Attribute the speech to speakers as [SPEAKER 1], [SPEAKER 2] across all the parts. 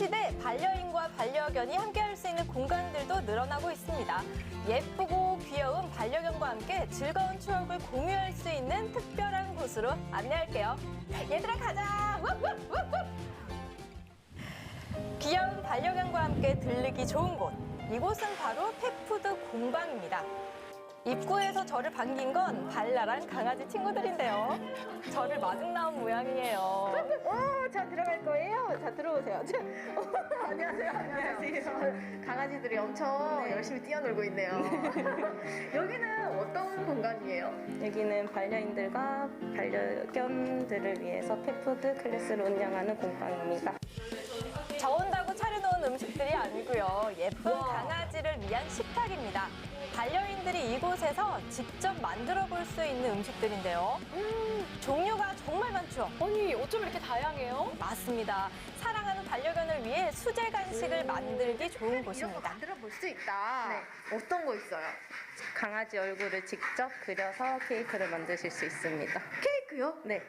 [SPEAKER 1] 시대 반려인과 반려견이 함께할 수 있는 공간들도 늘어나고 있습니다. 예쁘고 귀여운 반려견과 함께 즐거운 추억을 공유할 수 있는 특별한 곳으로 안내할게요. 얘들아 가자! 귀여운 반려견과 함께 들르기 좋은 곳. 이곳은 바로 펫푸드 공방입니다. 입구에서 저를 반긴 건 발랄한 강아지 친구들인데요. 저를 마중 나온 모양이에요.
[SPEAKER 2] 자, 들어갈 거예요. 자, 들어오세요. 안녕하세요. 안녕하세요. 강아지들이 엄청 열심히 뛰어놀고 있네요. 여기는 어떤 공간이에요?
[SPEAKER 3] 여기는 반려인들과 반려견들을 위해서 펫푸드 클래스를 운영하는 공방입니다.
[SPEAKER 1] 저 온다고 차려놓은 음식들이 아니고요. 예쁜 강아지를 위한 식탁입니다. 반려인들이 이곳에서 직접 만들어 볼 수 있는 음식들인데요. 종류가 정말 많죠?
[SPEAKER 4] 아니, 어쩜 이렇게 다양해요?
[SPEAKER 1] 맞습니다. 사랑하는 반려견을 위해 수제 간식을 만들기 좋은
[SPEAKER 2] 이런 거
[SPEAKER 1] 곳입니다.
[SPEAKER 2] 만들어 볼 수 있다. 어떤 거 있어요?
[SPEAKER 3] 강아지 얼굴을 직접 그려서 케이크를 만드실 수 있습니다.
[SPEAKER 2] 케이크요?
[SPEAKER 3] 네.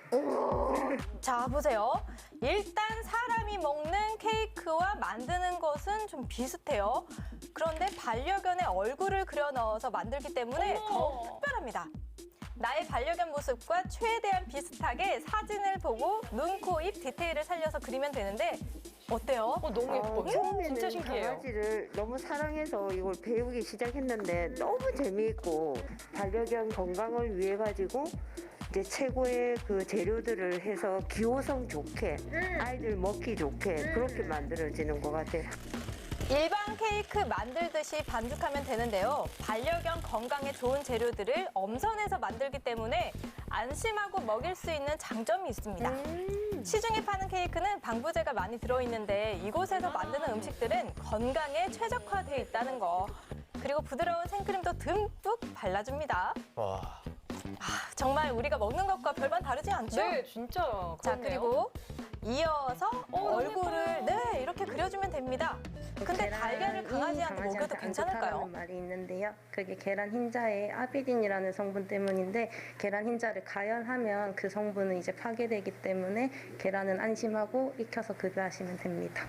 [SPEAKER 1] 자, 보세요. 일단 사람이 먹는 케이크와 만드는 것은 좀 비슷해요. 그런데 반려견의 얼굴을 그려 넣어서 만들기 때문에
[SPEAKER 4] 어머.
[SPEAKER 1] 더욱 특별합니다. 나의 반려견 모습과 최대한 비슷하게 사진을 보고 눈, 코, 입 디테일을 살려서 그리면 되는데 어때요?
[SPEAKER 4] 너무 예뻐요.
[SPEAKER 5] 처음에는
[SPEAKER 4] 진짜 신기해요.
[SPEAKER 5] 강아지를 너무 사랑해서 이걸 배우기 시작했는데 너무 재미있고 반려견 건강을 위해 가지고 이제 최고의 그 재료들을 해서 기호성 좋게 아이들 먹기 좋게 그렇게 만들어지는 것 같아요.
[SPEAKER 1] 일반 케이크 만들듯이 반죽하면 되는데요. 반려견 건강에 좋은 재료들을 엄선해서 만들기 때문에 안심하고 먹일 수 있는 장점이 있습니다. 시중에 파는 케이크는 방부제가 많이 들어있는데 이곳에서 만드는 음식들은 건강에 최적화되어 있다는 거. 그리고 부드러운 생크림도 듬뿍 발라줍니다.
[SPEAKER 6] 와.
[SPEAKER 1] 정말 우리가 먹는 것과 별반 다르지 않죠?
[SPEAKER 4] 네, 진짜.
[SPEAKER 1] 자,
[SPEAKER 4] 그렇네요.
[SPEAKER 1] 그리고 이어서
[SPEAKER 4] 너무
[SPEAKER 1] 얼굴을
[SPEAKER 4] 예뻐요.
[SPEAKER 1] 이렇게 그려주면 됩니다. 근데 달걀을 강아지한테 먹여도 괜찮을까요?
[SPEAKER 3] 하는 말이 있는데요. 그게 계란 흰자에 아비딘이라는 성분 때문인데 계란 흰자를 가열하면 그 성분은 이제 파괴되기 때문에 계란은 안심하고 익혀서 급여하시면 됩니다.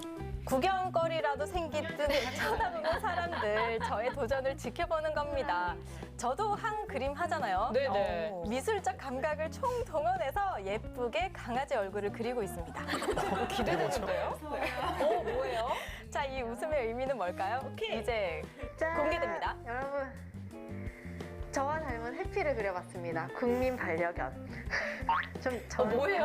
[SPEAKER 1] 구경거리라도 생긴 듯 쳐다보는 사람들, 저의 도전을 지켜보는 겁니다. 저도 한 그림 하잖아요.
[SPEAKER 4] 네네.
[SPEAKER 1] 미술적 감각을 총동원해서 예쁘게 강아지 얼굴을 그리고 있습니다.
[SPEAKER 4] 기대되는데요? 뭐예요?
[SPEAKER 1] 자, 이 웃음의 의미는 뭘까요? 이제
[SPEAKER 2] 짠!
[SPEAKER 1] 공개됩니다.
[SPEAKER 2] 여러분, 저와 닮은 해피를 그려봤습니다. 국민 반려견. 저는
[SPEAKER 4] 뭐예요?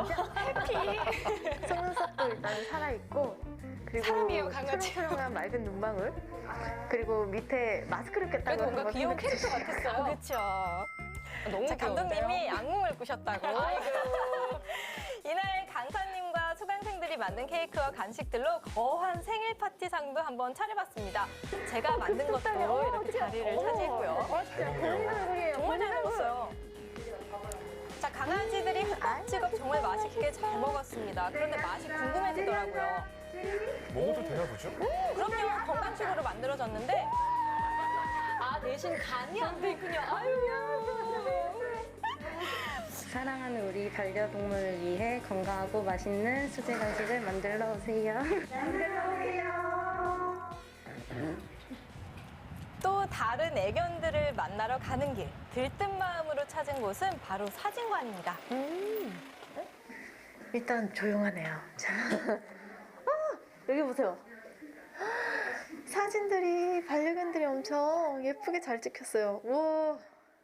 [SPEAKER 2] 해피. 속눈썹도 일단 살아있고 그리고
[SPEAKER 4] 사람이에요, 강아지.
[SPEAKER 2] 초롱초롱한 맑은 눈망울 그리고 밑에 마스크를 꼈다고
[SPEAKER 4] 그래도 뭔가
[SPEAKER 2] 한번
[SPEAKER 4] 귀여운
[SPEAKER 2] 생각해
[SPEAKER 4] 캐릭터 같았어요.
[SPEAKER 1] 그렇죠.
[SPEAKER 4] 너무
[SPEAKER 1] 자,
[SPEAKER 4] 귀여운데요?
[SPEAKER 1] 감독님이 악몽을 꾸셨다고. 이날 강사님과 수강생들이 만든 케이크와 간식들로 거한 생일 파티상도 한번 차려봤습니다. 제가 만든 것도 이렇게 자리를 차지했고요.
[SPEAKER 2] 진짜 본인 얼굴이에요.
[SPEAKER 1] 정말 잘 먹었어요. 자, 강아지들이 흠뻑지겁 정말 맛있게 잘 먹었습니다. 그런데 맛이 궁금해지더라고요.
[SPEAKER 6] 먹어도 되나 보죠?
[SPEAKER 1] 그럼요, 건강식으로 만들어졌는데
[SPEAKER 4] 대신 간이 안 돼 있군요. 아유.
[SPEAKER 3] 사랑하는 우리 반려동물을 위해 건강하고 맛있는 수제 간식을 만들러 오세요.
[SPEAKER 1] 또 다른 애견들을 만나러 가는 길, 들뜬 마음으로 찾은 곳은 바로 사진관입니다.
[SPEAKER 2] 일단 조용하네요. 자, 여기 보세요. 사진들이 반려견들이 엄청 예쁘게 잘 찍혔어요. 우와.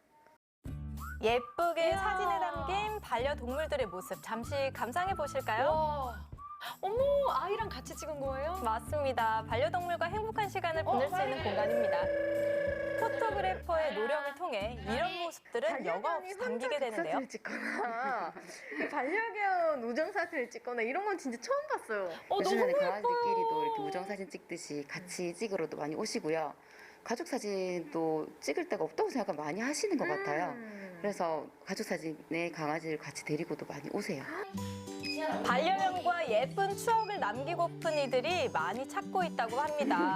[SPEAKER 1] 예쁘게
[SPEAKER 4] 이야.
[SPEAKER 1] 사진에 담긴 반려동물들의 모습 잠시 감상해 보실까요?
[SPEAKER 4] 와. 어머, 아이랑 같이 찍은 거예요?
[SPEAKER 1] 맞습니다. 반려동물과 행복한 시간을 보낼 수 있는 공간입니다. 포토그래퍼의 노력을 통해 이런 모습들은 여과 없이 담기게 되는데요.
[SPEAKER 2] 사진을 찍거나 반려견 우정 사진을 찍거나 이런 건 진짜 처음 봤어요.
[SPEAKER 4] 너무
[SPEAKER 7] 요즘에는
[SPEAKER 4] 예뻐요.
[SPEAKER 7] 강아지들끼리도 이렇게 우정 사진 찍듯이 같이 찍으러도 많이 오시고요. 가족 사진도 찍을 데가 없다고 생각을 많이 하시는 것 같아요. 그래서 가족 사진에 강아지를 같이 데리고도 많이 오세요.
[SPEAKER 1] 반려견과 예쁜 추억을 남기고픈 이들이 많이 찾고 있다고 합니다.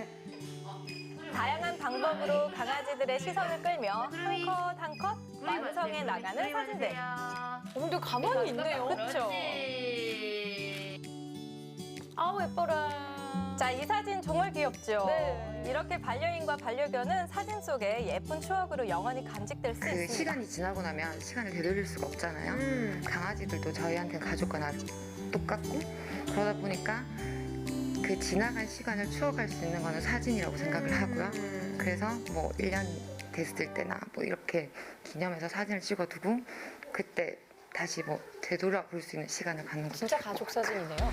[SPEAKER 1] 다양한 방법으로 강아지들의 시선을 끌며 한 컷 한 컷 완성해 나가는 사진들.
[SPEAKER 4] 근데 가만히 있네요.
[SPEAKER 1] 그렇죠.
[SPEAKER 4] 아우, 예뻐라.
[SPEAKER 1] 귀엽죠?
[SPEAKER 4] 네.
[SPEAKER 1] 이렇게 반려인과 반려견은 사진 속에 예쁜 추억으로 영원히 간직될 수
[SPEAKER 7] 그
[SPEAKER 1] 있습니다.
[SPEAKER 7] 시간이 지나고 나면 시간을 되돌릴 수가 없잖아요. 강아지들도 저희한테는 가족과 똑같고 그러다 보니까 그 지나간 시간을 추억할 수 있는 거는 사진이라고 생각을 하고요. 그래서 뭐 1년 됐을 때나 뭐 이렇게 기념해서 사진을 찍어두고 그때 다시 뭐 되돌아볼 수 있는 시간을 갖는 거죠.
[SPEAKER 4] 진짜 가족 사진이네요.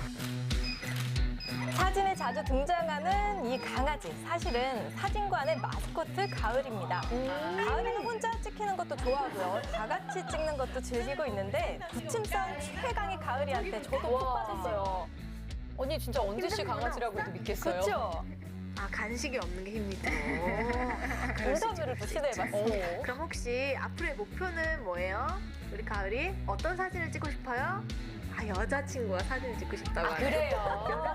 [SPEAKER 1] 사진에 자주 등장하는 이 강아지, 사실은 사진관의 마스코트 가을입니다. 가을이는 혼자 찍히는 것도 좋아하고요. 다 같이 찍는 것도 즐기고 있는데 부침성 최강의 가을이한테 저도 푹
[SPEAKER 4] 와.
[SPEAKER 1] 빠졌어요.
[SPEAKER 4] 언니 진짜 언제 씨 강아지라고도 믿겠어요.
[SPEAKER 1] 그렇죠?
[SPEAKER 2] 아, 간식이 없는 게 힘이 들어.
[SPEAKER 1] 인터뷰를 또 시도해봤어요.
[SPEAKER 2] 그럼 혹시 앞으로의 목표는 뭐예요? 우리 가을이 어떤 사진을 찍고 싶어요? 아, 여자친구와 사진을 찍고 싶다고 하네요.
[SPEAKER 4] 그래요.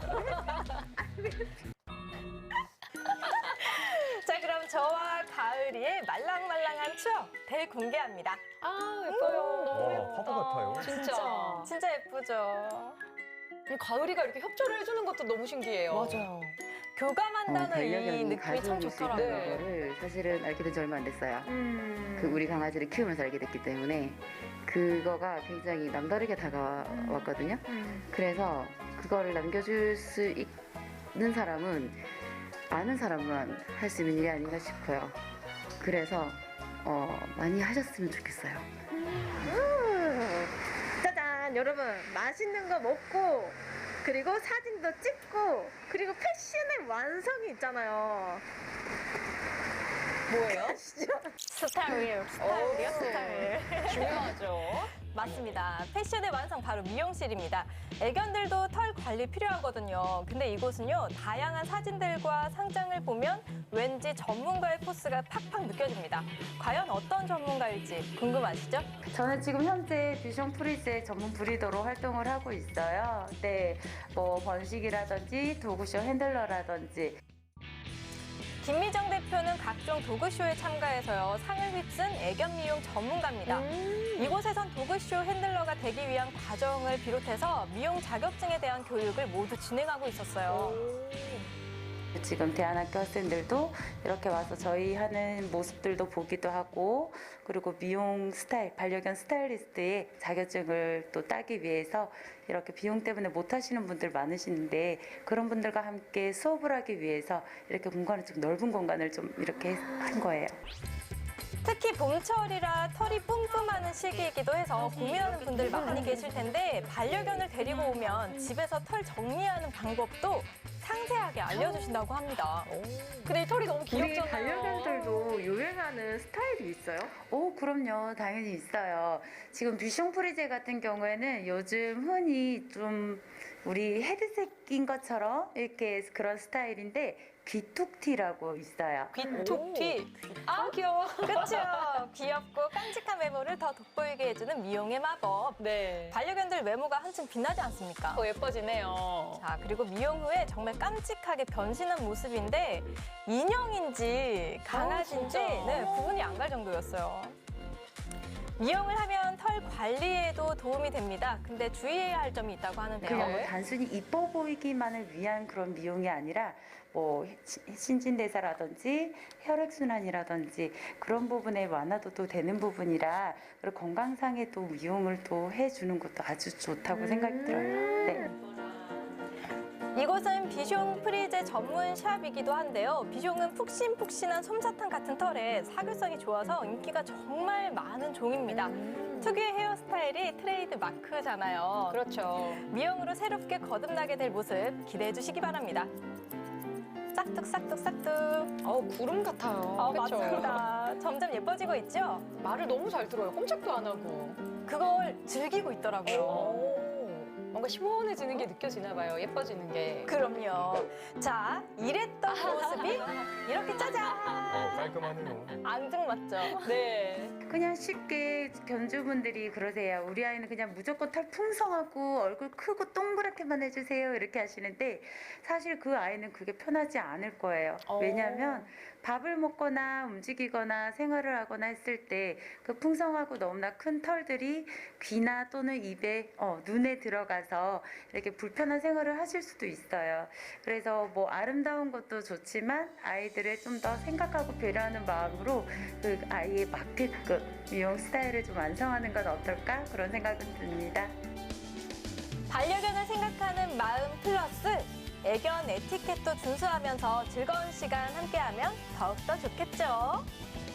[SPEAKER 1] 자, 그럼 저와 가을이의 말랑말랑한 추억 대공개합니다.
[SPEAKER 4] 아 예뻐요. 너무
[SPEAKER 6] 와,
[SPEAKER 4] 예쁘다.
[SPEAKER 6] 화보 같아요.
[SPEAKER 4] 진짜.
[SPEAKER 1] 진짜 예쁘죠?
[SPEAKER 4] 가을이가 이렇게 협조를 해주는 것도 너무 신기해요. 맞아요.
[SPEAKER 1] 교감한다는 이
[SPEAKER 7] 반려견이
[SPEAKER 1] 느낌이 참
[SPEAKER 7] 가져올 수
[SPEAKER 1] 좋더라고요.
[SPEAKER 7] 있다는 거를 사실은 알게 된 지 얼마 안 됐어요.
[SPEAKER 2] 음.
[SPEAKER 7] 그 우리 강아지를 키우면서 알게 됐기 때문에 그거가 굉장히 남다르게 다가왔거든요. 그래서 그거를 남겨줄 수 있는 사람은 아는 사람만 할 수 있는 일이 아닌가 싶어요. 그래서 많이 하셨으면 좋겠어요.
[SPEAKER 2] 짜잔, 여러분, 맛있는 거 먹고 그리고 사진도 찍고 그리고 패션의 완성이 있잖아요.
[SPEAKER 4] 뭐예요?
[SPEAKER 1] 스타일, 스타일이요? 스타일.
[SPEAKER 4] 중요하죠.
[SPEAKER 1] 맞습니다. 패션의 완성 바로 미용실입니다. 애견들도 털 관리 필요하거든요. 근데 이곳은요, 다양한 사진들과 상장을 보면 왠지 전문가의 포스가 팍팍 느껴집니다. 과연 어떤 전문가일지 궁금하시죠?
[SPEAKER 3] 저는 지금 현재 뷰션 프리즈의 전문 브리더로 활동을 하고 있어요. 네, 뭐 번식이라든지 도구쇼 핸들러라든지.
[SPEAKER 1] 김미정 대표는 각종 도그쇼에 참가해서요, 상을 휩쓴 애견 미용 전문가입니다. 이곳에선 도그쇼 핸들러가 되기 위한 과정을 비롯해서 미용 자격증에 대한 교육을 모두 진행하고 있었어요.
[SPEAKER 3] 지금 대안학교 학생들도 이렇게 와서 저희 하는 모습들도 보기도 하고, 그리고 미용 스타일, 반려견 스타일리스트의 자격증을 또 따기 위해서 이렇게 비용 때문에 못 하시는 분들 많으시는데, 그런 분들과 함께 수업을 하기 위해서 이렇게 공간을 좀 넓은 공간을 좀 이렇게 한 거예요.
[SPEAKER 1] 특히 봄철이라 털이 뿜뿜하는 시기이기도 해서 고민하는 분들 많이 계실 텐데, 반려견을 데리고 오면 집에서 털 정리하는 방법도 상세하게 알려주신다고 합니다.
[SPEAKER 4] 근데 이 털이 너무
[SPEAKER 2] 우리
[SPEAKER 4] 귀엽잖아요.
[SPEAKER 2] 반려견들도 유행하는 스타일이 있어요?
[SPEAKER 3] 오, 그럼요. 당연히 있어요. 지금 뷰숑 프리제 같은 경우에는 요즘 흔히 좀 우리 헤드색인 것처럼 이렇게 그런 스타일인데, 귀툭티라고 있어요.
[SPEAKER 4] 귀툭티. 아 귀여워.
[SPEAKER 1] 그렇죠? 귀엽고 깜찍한 외모를 더 돋보이게 해주는 미용의 마법.
[SPEAKER 4] 네.
[SPEAKER 1] 반려견들 외모가 한층 빛나지 않습니까?
[SPEAKER 4] 더 예뻐지네요.
[SPEAKER 1] 자, 그리고 미용 후에 정말 깜찍하게 변신한 모습인데, 인형인지 강아지인지
[SPEAKER 4] 진짜?
[SPEAKER 1] 네, 구분이 안 갈 정도였어요. 미용을 하면 털 관리에도 도움이 됩니다. 근데 주의해야 할 점이 있다고 하는데요.
[SPEAKER 3] 그냥 뭐 단순히 이뻐 보이기만을 위한 그런 미용이 아니라 뭐 신진대사라든지 혈액순환이라든지 그런 부분에 완화도 되는 부분이라, 그리고 건강상의 또 미용을 또 해주는 것도 아주 좋다고 생각이 들어요. 네.
[SPEAKER 1] 이곳은 비숑 프리제 전문 샵이기도 한데요. 비숑은 푹신푹신한 솜사탕 같은 털에 사교성이 좋아서 인기가 정말 많은 종입니다. 특유의 헤어스타일이 트레이드 마크잖아요.
[SPEAKER 4] 그렇죠.
[SPEAKER 1] 미용으로 새롭게 거듭나게 될 모습 기대해 주시기 바랍니다. 싹둑싹둑싹둑.
[SPEAKER 4] 구름 같아요. 그쵸?
[SPEAKER 1] 맞습니다. 점점 예뻐지고 있죠?
[SPEAKER 4] 말을 너무 잘 들어요. 꼼짝도 안 하고.
[SPEAKER 1] 그걸 즐기고 있더라고요.
[SPEAKER 4] 뭔가 시원해지는 게 느껴지나 봐요. 예뻐지는 게.
[SPEAKER 1] 그럼요. 자, 이랬던 모습이 이렇게 짜잔!
[SPEAKER 6] 깔끔하네요.
[SPEAKER 1] 앙증맞죠?
[SPEAKER 4] 네.
[SPEAKER 3] 그냥 쉽게 견주분들이 그러세요. 우리 아이는 그냥 무조건 털 풍성하고 얼굴 크고 동그랗게만 해주세요. 이렇게 하시는데 사실 그 아이는 그게 편하지 않을 거예요. 왜냐하면 밥을 먹거나 움직이거나 생활을 하거나 했을 때 그 풍성하고 너무나 큰 털들이 귀나 또는 입에, 눈에 들어가서 이렇게 불편한 생활을 하실 수도 있어요. 그래서 뭐 아름다운 것도 좋지만 아이들을 좀 더 생각하고 배려하는 마음으로 그 아이에 맞게끔 미용 스타일을 좀 완성하는 건 어떨까? 그런 생각은 듭니다.
[SPEAKER 1] 반려견을 생각하는 마음 플러스 애견 에티켓도 준수하면서 즐거운 시간 함께하면 더욱더 좋겠죠.